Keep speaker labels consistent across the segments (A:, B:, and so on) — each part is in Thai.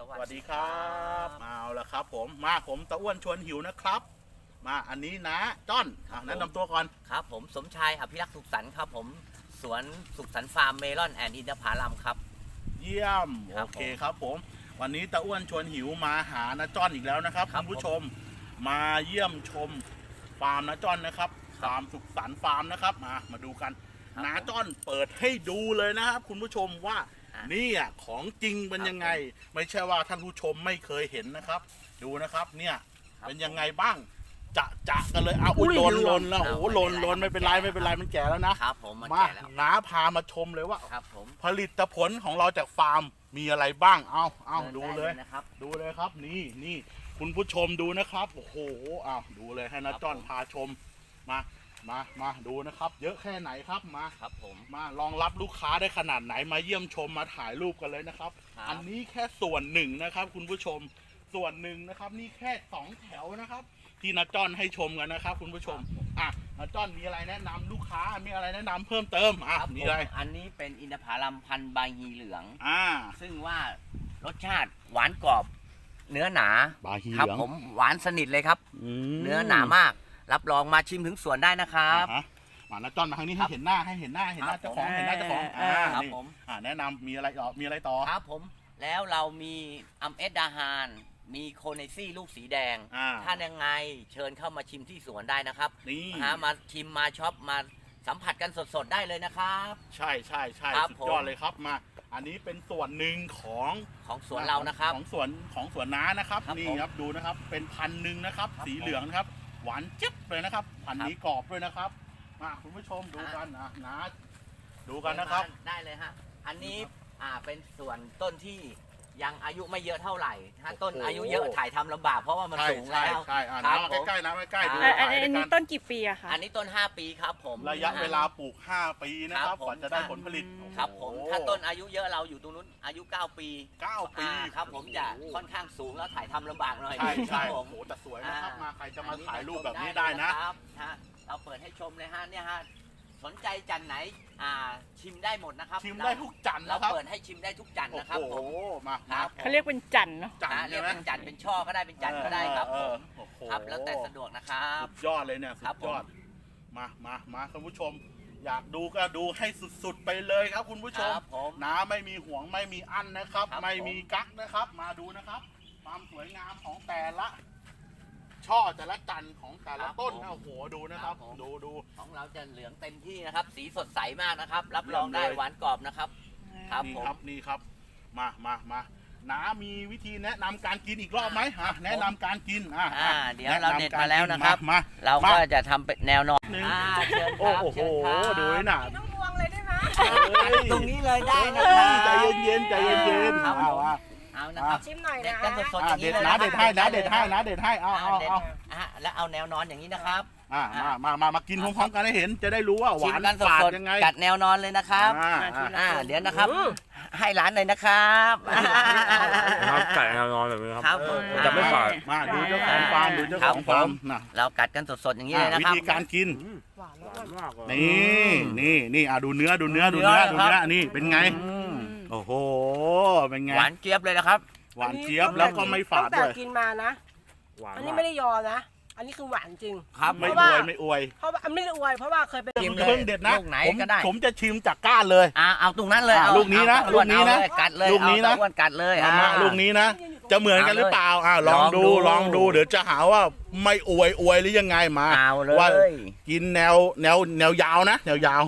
A: วัสดีครับเอาละครับผมตะอ้วนชวนหิวนะครับมาอันนี้นะจ้อนแนะนำตัวก่อน
B: ครับผมสมชายอภิรักษ์สุขสันต์ครับผมสวนสุขสันต์ฟาร์มเมลอนแอนด์อินทผลัมครับ
A: เยี่ยมโอเคครับผมวันนี้ตะอ้วนชวนหิวมาหานะจ้อนอีกแล้วนะครับคุณผู้ชมมาเยี่ยมชมฟาร์มนะจ้อนนะครับฟาร์มสุขสันต์ฟาร์มนะครับมาดูกันนะจ้อนเปิดให้ดูเลยนะครับคุณผู้ชมว่านี่ของจริงเป็นยังไงไม่ใช่ว่าท่านผู้ชมไม่เคยเห็นนะครับดูนะครับเนี่ยเป็นยังไงบ้างจะกันเลยอุ้ยลนแล้วโอ้ลนไม่เป็นไรมันแก่แล้วนะครับ
B: ผม
A: มาน้าพามาชมเลยว่า
B: ครับผม
A: ผลิตผลของเราจากฟาร์มมีอะไรบ้างเอาดูเลย
B: นะครับ
A: ดูเลยครับนี่คุณผู้ชมดูนะครับโอ้โหดูเลยให้นะจ้อนพาชมมาดูนะครับเยอะแค่ไหนครับมา
B: ครับผม
A: มารองรับลูกค้าได้ขนาดไหนมาเยี่ยมชมมาถ่ายรูปกันเลยนะครับอันนี้แค่ส่วนหนึ่งนะครับคุณผู้ชมส่วนหนึ่งนะครับนี่แค่2แถวนะครับที่นะจ้อนให้ชมกันนะครับคุณผู้ชมนะจ้อนมีอะไรแนะนำลูกค้ามีอะไรแนะนำเพิ่มเติมมีอะไร
B: อันนี้เป็นอินทผลัมพันธุ์ใบฮีเหลืองซึ่งว่ารสชาติหวานกรอบเนื้อหนาครับผมหวานสนิทเลยครับเนื้อหนามากรับรองมาชิมถึงสวนได้นะครับ
A: มานะจ้อนมาทางนี้ให้เห็นหน้าเจ้าของครับผมแนะนำมีอะไรต่อ
B: ครับผมแล้วเรามีอัมเอสดาฮานมีโคเนซี่ลูกสีแดงถ้ายังไงเชิญเข้ามาชิมที่สวนได้นะครับมาชิมมาช็อปมาสัมผัสกันสดๆได้เลยนะครับ
A: ใช่สุดยอดเลยครับมาอันนี้เป็นส่วนหนึ่งของ
B: สวนเรานะครับ
A: ของสวนน้านะครับนี่ครับดูนะครับเป็นพันหนึ่งนะครับสีเหลืองนะครับหวานเจ็บเลยนะครับพันนี้กรอบด้วยนะครับมาคุณผู้ชมดูกันนะดูกันนะครับ
B: ได้เลยฮะอันนี้เป็นส่วนต้นที่ยังอายุไม่เยอะเท่าไหร่ถ้าต้นอายุเยอะถ่ายทำลำบากเพราะว่ามันสูงแล้ว
A: ใช่น้ำใกล้ดู
C: อันนี้ต้นกี่ปีอะคะ
B: อันนี้ต้น5 ปีครับผม
A: ระยะเวลาปลูก5 ปีนะครับกว่าจะได้ผลผลิต
B: ครับผมถ้าต้นอายุเยอะเราอยู่ตรงนู้นอายุ9 ปีครับผมจะค่อนข้างสูงแล้วถ่ายทำลำบากหน่อย
A: ใช่โอ้โหแต่สวยนะครับมาใครจะมาถ่ายรูปแบบนี้ได้นะครับ
B: เราเปิดให้ชมเลยฮะเนี่ยฮะสนใจจันไหนชิมได้หมดนะครับ
A: ชิมได้ทุกจันนะครับ
B: เราเปิดให้ชิมได้ทุกจันนะครับผม
A: มา
C: เขาเรียกเป็นจันเนาะ
B: เรียกเป็นจันเป็นช่อก็ได้เป็นจันก็ได้ครับผมครับแล้วแต่สะดวกนะครับ
A: สุดยอดเลยเนี่ยสุดยอดมาคุณผู้ชมอยากดูก็ดูให้สุดๆไปเลยครับคุณผู้ชมน้าไม่มีห่วงไม่มีอั้นนะครับไม่มีกั๊กนะครับมาดูนะครับความสวยงามของแต่ละช่อแต่ละจันของแต่ละต้นโอ้โหดูนะครับดู
B: ของเราจะเหลืองเต็มที่นะครับสีสดใสมากนะครับรับรองได้หวานกรอบนะครับครับ
A: นี่ครับมาน้ามีวิธีแนะนำการกินอีกรอบไหมแนะนำการกิน
B: เดี๋ยวเราเด็ดมาแล้วนะครับเราก็จะทำเป็นแนวนอนเชิญครับ
A: โอ้โหดูน่ะ
C: ต้องวงเลยได้ไหม
B: ตรงนี้เลยได้นะครับ
A: ใจเย็น
B: เอานะครับ
C: ชิมหน่อยนะ
B: เด็ดกันสดๆอย่างนี้เลย
A: นะเด็ดให้เอา
B: แล้วเอาแนวนอนอย่างนี้นะครับ
A: มากินพร้อมๆกันให้เห็นจะได้รู้ว่าหวานฝาดยังไง
B: กัดแนวนอนเลยนะครับเดี๋ยวนะครับให้ร้านเลยนะครับ
D: ไก่แนวนอนแบบนี้ครับ
B: จะ
D: ไม่ฝาด
A: มาดูเจ้าของฟาร์มนะ
B: เรากัดกันสดๆอย่างนี้เลยนะครับ
A: วิธีการกิน
C: หวานมาก
A: นี่ดูเนื้อนี่เป็นไงโอ้โหเป็นไง
B: หวานเจี๊ยบเลยนะครับ
A: หวานเจี๊ยบแล้วก็ไม่ฝาดด้วย
C: กินมานะอันนี้ไม่ได้ยอนะอันนี้คือหวานจริง
A: ครับไม่อวย
C: เพราะว่าไม่ได้อวยเพราะว่าเคยเป็น
A: เพิ่งเด็ดนะผมจะชิมจากก้านเลย
B: เอาตรงนั้นเลย
A: ลูกนี้นะ
B: กัดเลย
A: ลูกนี้นะ
B: กัดเลย
A: ลูกนี้นะจะเหมือนกันหรือเปล่าลองดูเดี๋ยวจะหาว่าไม่อวยหรือยังไงมาว่ากินแนวยาวนะแนวยาว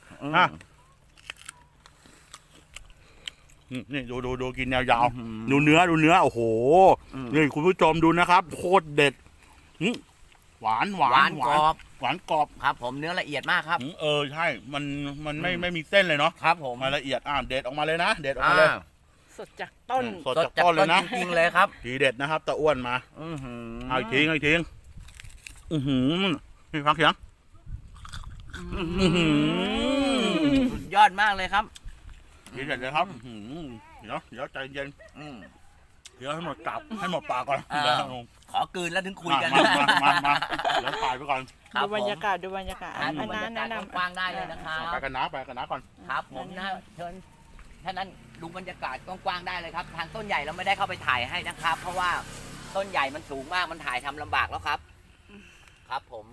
A: นี่ดูกินแนวยาวดูเนื้อโอ้โหนี่คุณผู้ชมดูนะครับโคตรเด็ดหวาน
B: กร
A: อบ
B: ครับผมเนื้อละเอียดมากครับ
A: ใช่มันไม่มีเส้นเลยเนาะ
B: ครับผม
A: ละเอียดเด็ดออกมาเลยนะเด็ดออกมาเลย
C: สดจากต้น
A: เลยนะ
B: จริงเลยครับ
A: ทีเด็ดนะครับตะอ้วนมาเอาอีกทิ้งนี่ฟังเสียง
B: สุดยอดมากเลยครับ
A: ทีเด็ดเลยครับเดี๋ยวใจเย็นเดี๋ยวให้หมดปากก่อน
B: ขอกลืนแล้วถึงคุยกัน
A: มาแล้วถ่ายไปก่อน
C: ดูบรรยากาศ
B: แนะนำกว้างได้เลยนะครับ
A: ไปกันนะก่อน
B: ครับผมนะเชิญท่านนั้นดูบรรยากาศกว้างๆได้เลยครับ ทางต้นใหญ่เราไม่ได้เข้าไปถ่ายให้นะครับ เพราะว่าต้นใหญ่มันสูงมากมันถ่ายทำลำบากแล้วครับ ครับผม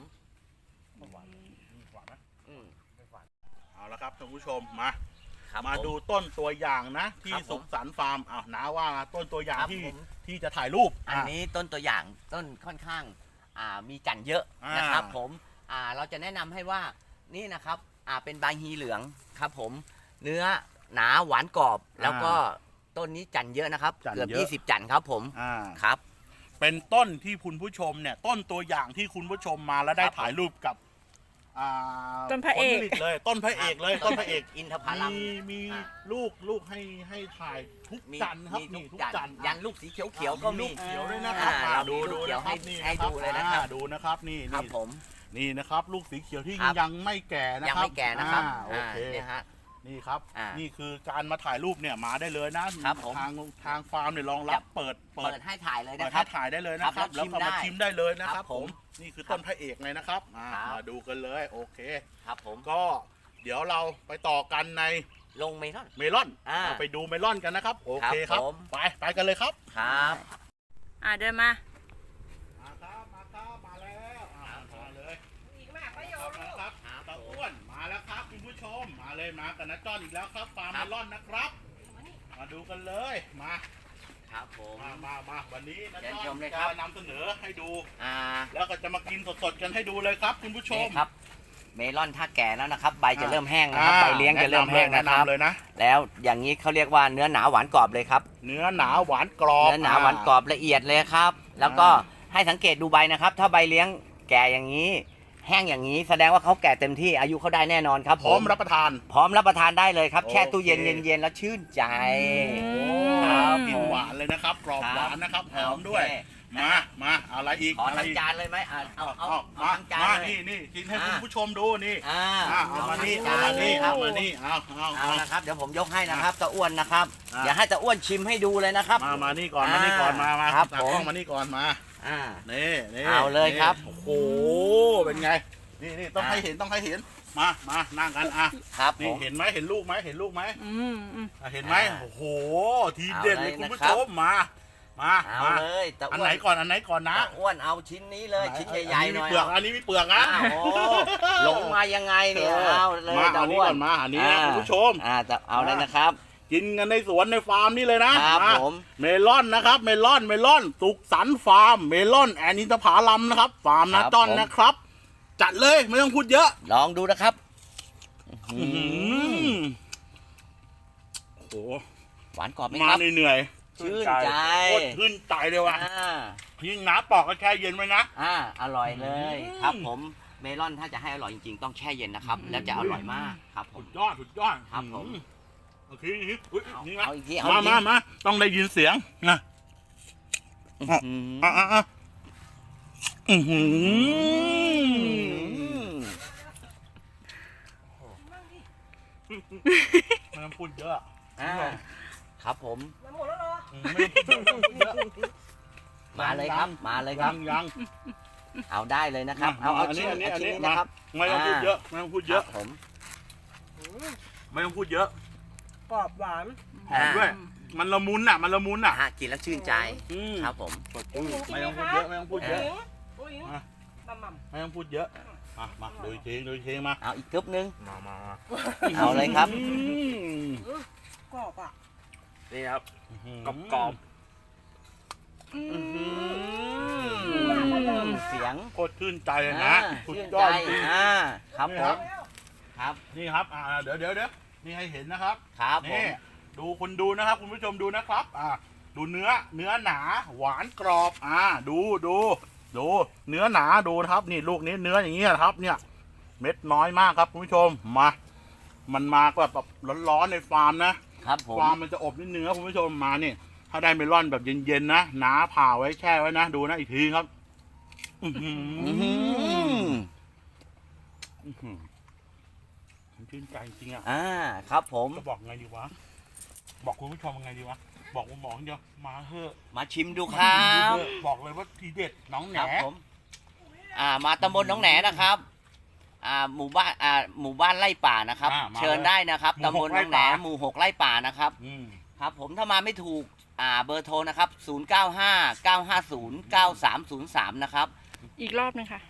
B: อืม
A: เอาละครับท่านผู้ชมมา
B: ครับ
A: มา
B: ผ
A: ดูต้นตัวอย่างนะ ที่
B: ครับผม
A: สุขสันต์ฟาร์มอ้าวน้าว่าต้นตัวอย่าง
B: ครับ
A: ที่
B: ผม
A: ที่จะถ่ายรูป
B: อันนี้ต้นตัวอย่างต้นค่อนข้างมีจันทร์เยอะนะครับผมเราจะแนะนำให้ว่านี่นะครับเป็นใบฮีเหลืองครับผมเนื้อหนาหวานกรอบ แล้วก็ต้นนี้จันทร์เยอะนะครับเกือบ20 จันทร์ครับผม
A: อ่า
B: ครับ
A: เป็นต้นที่คุณผู้ชมเนี่ยต้นตัวอย่างที่คุณผู้ชมมาแล้วได้
B: ครับ
A: ถ่ายรูปกับ
C: ต้นพระเอก
A: ผลผลิตเลยต้นพระเอกเลยต้นพระเอก
B: อินทผลัม
A: มี
B: อ่า
A: ลูกให้ถ่ายทุก
B: มี
A: จันทร์ครับ
B: มี
A: นี่ทุก
B: จันท
A: จันท
B: ร์
A: ร์
B: ยันลูกสีเขียวๆก็มี
A: ลูกเขียวด้วยนะครับ
B: เรา
A: ดู
B: มีลู
A: ดู
B: กเขียว
A: นะครับ
B: ให้
A: นี่
B: ให้ดูเลยนะครับ
A: ดูนะครับนี่
B: ครับ
A: นี่
B: ผม
A: นี่นะครับ ลูกสีเขียวที่
B: ครับ
A: ยังไม่แก่นะ
B: ยัง
A: ครับ
B: ไม่แก่นะครับ
A: โอเค
B: เนี่ยฮะ
A: นี่ครับ
B: อ่านี่
A: นี่คือการมาถ่ายรูปเนี่ยมาได้เลยนะครับ
B: ผม
A: ทางฟาร์มเนี่ยรองรับเปิด
B: เปิดให้ถ่ายเลย
A: เปิ
B: นะ
A: ด
B: ครั
A: ให้
B: บ
A: ถ่ายได้เลยนะครับ
B: ครับ
A: แล้วก็
B: แล้ว
A: มา
B: ชิ
A: ชิม
B: ม
A: ได้
B: ได้
A: เลยนะค
B: ครั
A: รับบ ผ
B: ผม ม
A: นี่คือต้นพระเอกเลยนะครับ
B: ครับ
A: มาดูกันเลยโอเค
B: ครับผม
A: ก็เดี๋ยวเราไปต่อกันใน
B: ลงเมลอน
A: เมลอน
B: เรา
A: ไปดูเมลอนกันนะครับโอเคค
B: ครั
A: รับบ
B: ผม
A: ไปกันเลยครับ
B: ครับ
C: เดินมา
A: มาครับมาแล้วมาเลย
C: อีกมากประโยชน์ลูก
A: ครับตาอ้วนมาแล้วครับคุณผู้ชมมาเลยมากันนะจ้อนอีกแล้วครับฟาร์ม
B: ครั
A: เม
B: บ
A: ลอนนะครับ มาดูกันเลยมา
B: ครับผม
A: มาวันนี้นะ
B: เชิญ
A: จ้อ
B: ช
A: น
B: มเลยครับ
A: จะนำเสนอให้ดู
B: อ่า
A: แล้วก็จะมากินสดๆกันให้ดูเลยครับคุณผู้ชม
B: นี่ครับ เมลอนถ้าแก่แล้วนะครับ ใบจะเริ่มแห้งนะครับ ใบเลี้ยงจะเริ่มแห้ง
A: แนะ
B: นะครับ
A: นำเลยนะ
B: แล้วอย่างนี้เขาเรียกว่าเนื้อหนาหวานกรอบเลยครับ
A: เนื้อหนาหวานกรอบ
B: เนื้อหนาหวานกรอบละเอียดเลยครับ แล้วก็ให้สังเกตดูใบนะครับ ถ้าใบเลี้ยงแก่อย่างนี้ แห้งอย่างนี้แสดงว่าเขาแก่เต็มที่อายุเขาได้แน่นอนครับ
A: พร้อมรับประทาน
B: พร้อมรับประทานได้เลยครับ แช่ตู้เย็น
A: โอเค
B: เย็นๆแล้วชื่นใจ
A: ครับ
B: ผม
A: กินหวานเลยนะครับ กรอบหวานนะครับหอมด้วย
B: โอเค
A: มาอะไรอีก
B: ขอ
A: อะไร
B: ทั้ง
A: อีก
B: จานเลยไหมเอา
A: มา
B: ทั้งจาน
A: มา
B: เลย
A: นี่กินให้
B: อ่า
A: คุณผู้ชมดูนี่ เอามานี่
B: ทั้
A: เอา
B: งจ
A: มานี่
B: ลยค
A: เอา
B: รับ
A: มานี่เอา
B: เอานะครับเดี๋ยวผมยกให้นะครับตาอ้วนนะครับ
A: อ่า
B: เดี๋ยวให้ตาอ้วนชิมให้ดูเลยนะครับ
A: มานี่ก่อนมานี่ก่อนมา
B: ครับ
A: ตากล้องมานี่ก่อนมา
B: อ่า
A: นี่
B: เอาเลยครับ
A: โอ้โหเป็นไงนี่ต้องให้เห็นมานั่งกันอ่ะ
B: ครับผ
A: นี่
B: ม
A: เห็นไหมเห็นลูกไหมเห็นลูกไหม เห็นไหม
B: อ่า
A: โอ้โหทีเด็ดเลย
B: เอาเลย
A: คุณผู้
B: นะครั
A: ช
B: บ
A: มมา
B: เอาเลยตา
A: อัน
B: อ้ว
A: ไหน
B: น
A: ก่อนนะ
B: ตาอ้วนเอาชิ้นนี้เลยชิ้นใหญ่ๆหน่อย
A: อันนี้มีเปลือกนะ
B: อ้าวโอ้หลงมายังไงเนี่ยเอาเลย
A: มา
B: ตา
A: อันนี้
B: อ้ว
A: ก่
B: น
A: อนมาอันนี้นะคุณผู้ชม
B: แต่เอาเลยนะครับ
A: กินกันในสวนในฟาร์มนี่เลยนะครับ
B: ผม
A: เมลอนนะครับเมลอนสุขสันต์ฟาร์มเมลอนแอนอินทผลัมนะครับฟาร์มนาจอนนะครับ จัดเลยไม่ต้องพูดเยอะ
B: ลองดูนะครับ
A: โอ้โห
B: หวานกรอบไหม
A: มา
B: ครับ
A: เหนื่อย
B: ชื่นใจ
A: โคตรชื่นใจเลยว่ะ
B: อ่า
A: ยิ่งน้ำปอกก็แช่เย็นไว้นะ
B: อร่อยเลยครับผมเมลอนถ้าจะให้อร่อยจริงๆต้องแช่เย็นนะครับ แล้วจะอร่อยมากครับผ
A: สุ
B: ม
A: ดยอด
B: ครับผม
A: โอเคอุ๊ยนี่นะ
B: เอาอีกที
A: มาต้องได้ยินเสียงนะ
B: อื้อหือ
A: อือหือไม่ต้องพูดเยอะ
B: ครับผม
C: มันหมดแล้วเหรอ
A: ไม่ต้องพูดเยอะ
B: มาเลยครับมาเลยครับ
A: ยัง
B: เอาได้เลยนะครับ เอา
A: อันนี้
B: ชิ้น
A: อันนี้
B: ชิ้นนี้
A: มา
B: นะครับ
A: ไม่ต้องพูดเยอะไม่ต้องพูดเยอะ
B: ครับผม
A: ไม่ต้องพูดเยอะ
C: กรอบหวาน
A: หอมด้วย มันละมุนอ่ะ
B: กินแล้วชื่นใจครับผม
A: ไม่ต้องพูดเยอะไม่ต้องพูดเยอะ
C: ผู้หญิง
A: อ่ะ
C: มัมมัม
A: ไม่ต้องพูดเยอะมาดูอีกทีมา
B: เอาอีกกึ๊บนึง
D: มา
B: เอาเลยครับ
C: กรอบอ่ะ
D: นี่ครับกรอบ
B: เสียง
A: โคตรชื่นใจเลยนะสุด
B: ชื่น
A: ย
B: ใจ
A: อดจริง
B: ครับ
A: นี่
B: ผ
A: ครั
B: ม
A: บ
B: ครับ
A: นี่ครับเดี๋ยวนี่ให้เห็นนะครับ
B: ครับผม
A: นี่ดูคุณดูนะครับคุณผู้ชมดูนะครับดูเนื้อหนาหวานกรอบดูเนื้อหนาดูนะครับนี่ลูกนี้เนื้ออย่างเงี้ยครับเนี่ยเม็ดน้อยมากครับคุณผู้ชมมันมาแบบร้อนๆในฟาร์มนะครับ
B: ผม
A: ฟาร์มมันจะอบนิดนึงครับคุณผู้ชมมานี่ถ้าได้เมลอนแบบเย็นๆนะหนาผ่าไว้แช่ไว้นะดูนะอีกทีครับชื่นใจจริงอ่ะ
B: ครับผม
A: จะบอกไงดีวะบอกคุณผู้ชมไงดีวะบอกคุณหมอเดียวมาเถอะ
B: มาชิมดูครับ
A: บอกเลยว่าทีเด็ดน้องแหน
B: ครับผมมาตำบลหนองแหนนะครับหมู่บ้านไร่ป่านะครับ เชิญได้นะครับตำบลหนองแหนหมู่ 6 ไร่ป่านะครับครับผมถ้ามาไม่ถูกเบอร์โทรนะครับ 0959509303 นะครับ
E: อีกรอบหนึงค่ะ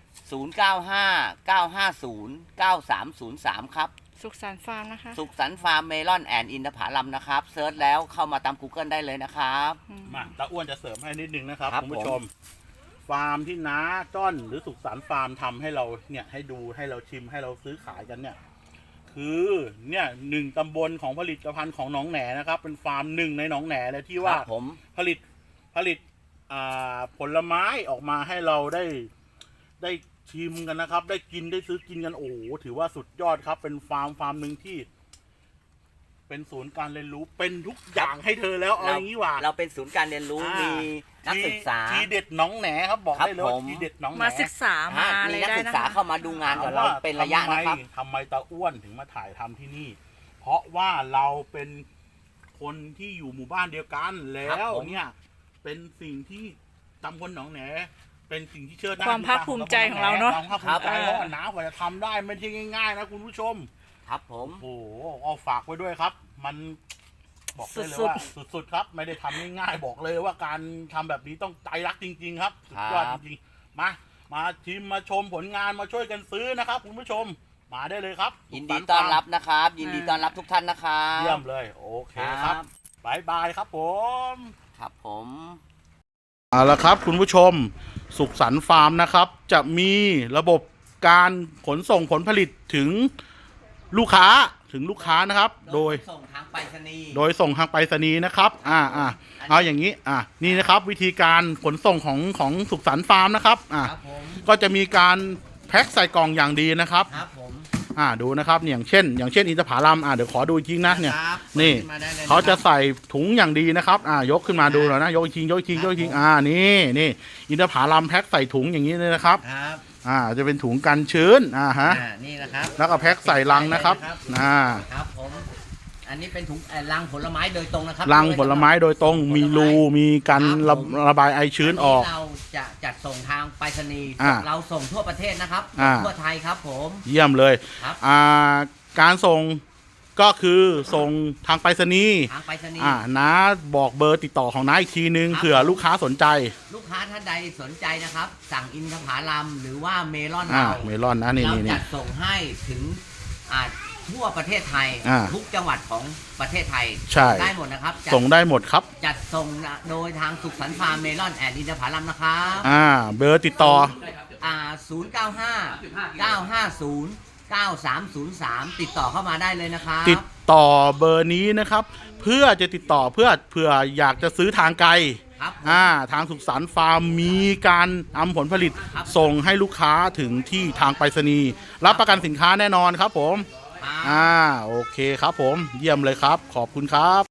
B: 0959509303 ครับ
E: สุขสันต์ฟาร์มนะคะ
B: สุขสันต์ฟาร์มเมลอนแอนด์อินทผลัมนะครับเซิร์ชแล้วเข้ามาตาม Google ได้เลยนะครับ
A: มาตาอ้วนจะเสริมให้นิดนึงนะครับ
B: ครับ
A: คุณผู้ชม ฟาร์มที่น้าจ้อนหรือสุขสันต์ฟาร์มทำให้เราเนี่ยให้ดูให้เราชิมให้เราซื้อขายกันเนี่ย คือเนี่ย1 ตำบลของผลิตภัณฑ์ของหนองแหนนะครับ เป็นฟาร์ม1ในหนองแหนเลยที่ว่า
B: ครับผม
A: ผลิตผลไม้ออกมาให้เราได้ชิมกันนะครับ ได้กินได้ซื้อกินกันโอ้โหถือว่าสุดยอดครับ เป็นฟาร์มหนึ่งที่ เป็นศูนย์การเรียนรู้เป็นทุกอย่างให้เธอแล้วเอาอย่างนี้ว่า
B: เราเป็นศูนย์การเรียนรู้มีนักศึกษา
A: ทีเด็ดหน้องแหนครับบอกได้เลยว่า
B: ครับผม
A: ทีเด็ดหน้องแหน
E: มาศึกษามาอะไร
B: มีนัก
E: ได้
B: ศึก
E: นะ
B: ษา
E: คะ
B: เข้ามาดูงานกับเราเป็นระยะนะครับ
A: ทำไมตาอ้วนถึงมาถ่ายทำที่นี่ เพราะว่าเราเป็นคนที่อยู่หมู่บ้านเดียวกันแล้วเนี่ย เป็นสิ่งที่ตำบลหนองแหนเป็นสิ่งที่เชิดหน้า
E: ความภาคภูมิใจของเราเนอะ
A: ความภาคภูมิใจเพราะว่าน้ากว่าจะทำได้ไม่ใช่ง่ายๆนะคุณผู้ชม
B: ครับผม
A: โอ้โหเอาฝากไว้ด้วยครับ มันบอกได้เลยว่าสุดๆครับ ไม่ได้ทำง่ายๆบอกเลยว่าการทำแบบนี้ต้องใจรักจริง ๆ ครับสุดยอดจริงๆมาชิมมาชมผลงานมาช่วยกันซื้อนะครับคุณผู้ชมมาได้เลยครับ
B: ยินดีต้อนรับนะครับ ยินดีต้อนรับทุกท่านนะครับ
A: เยี่ยมเลยโอเคครับบายบายครับผม
B: ครับผม
A: เอาละครับคุณผู้ชมสุขสันต์ฟาร์มนะครับ จะมีระบบการขนส่งผลผลิตถึงลูกค้านะครับ โดย
B: ส่งทางไปรษณีย์
A: ส่งทางไปรษณีย์นะครับเอาอย่างนี้นี่นะครับวิธีการขนส่งของสุขสันต์ฟาร์มนะครับ
B: ครับผม
A: ก็จะมีการแพ็คใส่กล่องอย่างดีนะครับ
B: ครับผม
A: ดูนะครับอย่างเช่นอินทผลัมเดี๋ยวขอดูอีกทีนะเนี่ย
B: ครับ
A: นี่
B: มาได้ลย
A: เขาจะ
B: นค
A: ใส่ถุงอย่างดีนะครับยกขึ้นมาดูหน่อยนะยกอีกทีนี่อินทผลัมแพ็คใส่ถุงอย่างนี้เลยนะครับ
B: รับ
A: จะเป็นถุงกันชื้น
B: นี่นะครับ
A: แล้วก็แพ็คใส่ลังนะครับ
B: ครับผมอันนี้เป็นถุงลังผลไม้โดยตรงนะครับ
A: ลังผลไม้โดยตรงมีรูมีการระบายไอชื้นออก
B: เราจะจัดส่งทางไปรษณีย์ เราส่งทั่วประเทศนะครับ ทั่วไทยครับผม
A: เยี่ยมเลย
B: ครับ
A: การส่งก็คือส่งทางไปรษณีย์
B: ทางไปรษณีย์
A: น้าบอกเบอร์ติดต่อของน้าอีกทีนึง
B: ครับ
A: เผื่อลูกค้าสนใจ
B: ลูกค้าท่านใดสนใจนะครับ สั่งอินทผลัมหรือว่าเมลอน
A: เมลอนนะนี่
B: เรา
A: นี่
B: จัดส่งให้ถึงทั่วประเทศไทย ทุกจังหวัดของประเทศไทย
A: ใช่
B: ได้หมดนะครับ
A: ส่งได้หมดครับ
B: จัดส่งโดยทางสุขสันต์ฟาร์มเมลอนแอนด์อินทผลัมนะครับ
A: เบอร์ติดต่อ
B: 095-950-9303 ติดต่อเข้ามาได้เลยนะครับ
A: ติดต่อเบอร์นี้นะครับ เพื่อจะติดต่อเผื่ออยากจะซื้อทางไกล
B: ครับ
A: ทางสุขสันต์ฟาร์มมีการนำผลผลิต
B: ครับ
A: ส่งให้ลูกค้าถึงที่ทางไปรษณีย์รับประกันสินค้าแน่นอนครับผม
B: ครับ
A: โอเคครับผมเยี่ยมเลยครับขอบคุณครับ